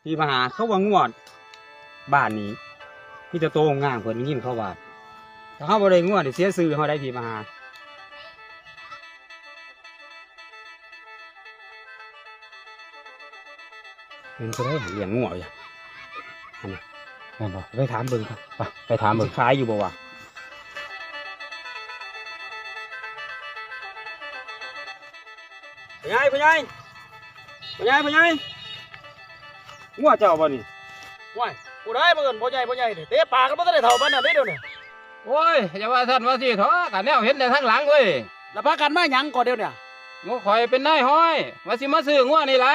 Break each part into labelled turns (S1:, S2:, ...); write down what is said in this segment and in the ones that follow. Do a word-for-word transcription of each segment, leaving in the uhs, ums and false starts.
S1: พี่มาหาเขาว่างวดบ้านนี้พี่จะโตงามเพิ่นยินเขาว่าถ้าเขาบ่ได้งวดเสียซื้อเขาได้พี่มาหาเห็นเขาได้เลี้ยงงวดอยู่อันนี้แม่นบ่ไปถามเบิ่งครับไปไปถามเบิ่งขายอยู่บ่วะพ่อใหญ่พ่อใหญ่พ่อใหญ่พ่อใหญ่งวดเจ้าบ่นี่
S2: ว้ายกูได้มาเอินพ่อใหญ่พ่อใหญ่เนี่ยเตะปากก็ไม่ได้เท่ามันน่ะเด้เดี๋ยวนี้
S3: โอ้ยอย่าว่าท่านว่าสิเถอะกันแนวเห็นแต่ทางหลังเว้ย
S2: แล้วพากันมาหยังก่อนเดี๋ยวเนี่ย
S3: งูข่อยเป็นนายห้อยว่าสิมาซื้องัวนี่ล่ะ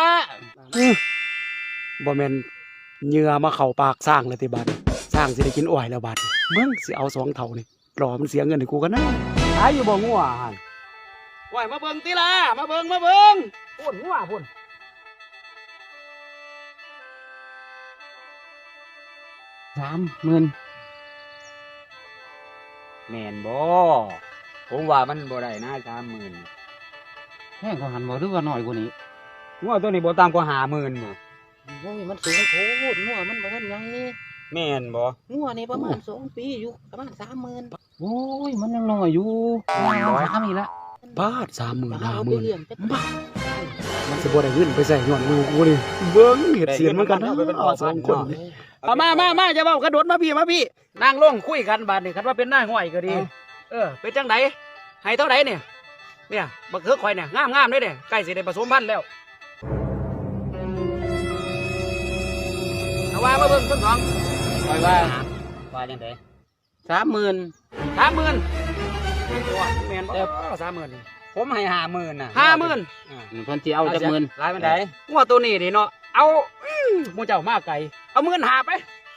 S4: บ่แม่นเหงื่อมาเข้าปากสร้างเลยติบัดสร้างสิได้กินอ้อยแล้วบัดมึงสิเอาสองเท่านี่รอมันเสียเงินให้กูกันนะ
S1: ขายอยู่บ่งัวหั่น
S2: ว้ายมาเบิ่งติล่ะมาเบิ่งมาเบิ่งพุ่นหัวพุ่น
S3: สามหมื่น
S1: แม่นบ่ผมว่ามันบ่ได้นะสามหมื่น
S3: แพงกว่าหันบ่หรือว่าน้อยกว่านี้
S1: งัวตัวนี้บ่ต่ำกว่าห้าหมื่นบ่
S3: โอ้ยมันสูงโคตรงัวมันบ่ทันใหญ่
S1: แม่นบ่
S3: งัวนี่ประมาณสองปีอยู่ประมาณสามหมื่นโอ้ยมันยังน้อยอยู่สามอีกละ
S4: บาทสามหมื่นห้า
S3: เอา
S4: ห
S3: ไป
S4: มื่น
S3: เลี้ยงจักบาท
S4: มันสิบ่ได้เงินไปใส่ย้อนมือกูนี่เบิ่งเฮ็ดเสียนมันกันนะสองคนนี่
S2: เอามามามาจะเว้ากระโดดมาพี่มาพี่นั่งลงคุยกันบาดนี่คันว่าเป็นหน้าห้อยก็ดี เออเป็นจังไดให้เท่าไดเนี่ยเนี่ยบักเขือข่อยเนี่ยงามงามๆเลยเนี่ยใกล้สิได้ผสมพันธุ์แล้วเอาว่ามาเบิ่งต้นสอง
S3: คอยว่า
S1: ว่าจังได๋
S3: สามหมื่น
S2: สามหมื่นว้าแม่นบ่สามหมื่น
S1: ผมให้ห้าหมื่นน่ะ
S2: ห้าหมื่น
S1: อ่า
S3: เพิ่นสิเอาจักหมื่น
S1: หลายปานใด
S2: งัวตัวนี้นี่เนาะเอาอื้อหมูเจ้ามาไก่เอาหมื่นหาไป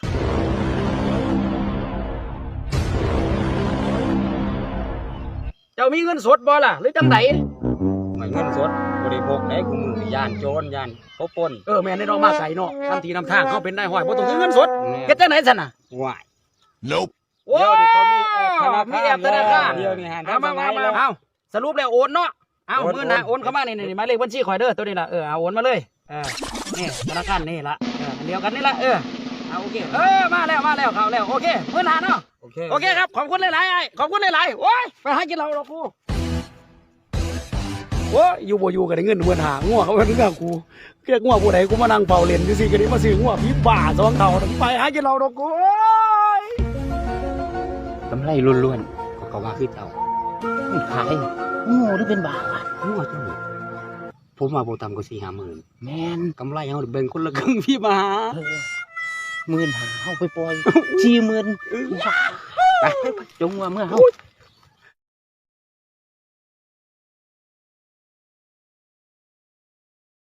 S2: เจ้ามีเงินสดบ่ล่ะหรือจังได
S1: ไม่เงินสดบ่ได้พกได้กูมือย่านโจรย่านเขาปล้น
S2: เออแม่นได้เนาะมาไก่เนาะทำทีนำทางเขาเป็นได้ห้อยบ่ต้องถือเงินสดเฮ็ดจังได๋ซั่นน่ะ
S1: ว้าย
S2: โอ้
S1: เดี๋ยวนี้เขามีแอปธนาคาร
S2: มีแอปธนาคาร
S1: เดี๋ยวนี้หัน
S2: เอามามามาเอาสรุปแล้วโอนเนาะเอาหมื่นหาโอนเข้ามานี่นี่หมายเลขบัญชีข่อยเด้อตัวนี้ล่ะเออเอาโอนมาเลยเออนี่ธนาคารนี่ล่ะเอออันเดียวกันนี่ล่ะเออเอาโอเคเออมาแล้วมาแล้วเข้าแล้วโอเคหมื่นหาเนาะ
S1: โอเค
S2: โอเคครับขอบคุณหลายๆไอ้ขอบคุณหลายๆโอ้ยไปหากินเหล้าดอกกู
S4: โอ้ยอยู่บ่อยู่ก็ได้เงินเพิ่นหางัวเขาเป็นเรื่องกูเรียกงัวผู้ใดกูมานั่งเฝ้าเล่นซื่อๆก็ได้มาซื้องัวพี่บ้าสองเท่าไปหากินเหล้าดอกกูโอ้ย
S3: กำไรล้วน
S1: เขาก็ว่าคือเจ้า
S3: ๆขายงูหรือเป็นบาท
S1: งัวตัวนี้ผมว่าบ่ต่ำกว่าสี่ห้าหมื่น
S3: แม่น
S1: กำไรเอาแบ่งคนละครึ่งพี่มาหา
S3: หมื่นหาเอาไปปล่อยสี่หมื่นไปจงว่าเมื่อเฮา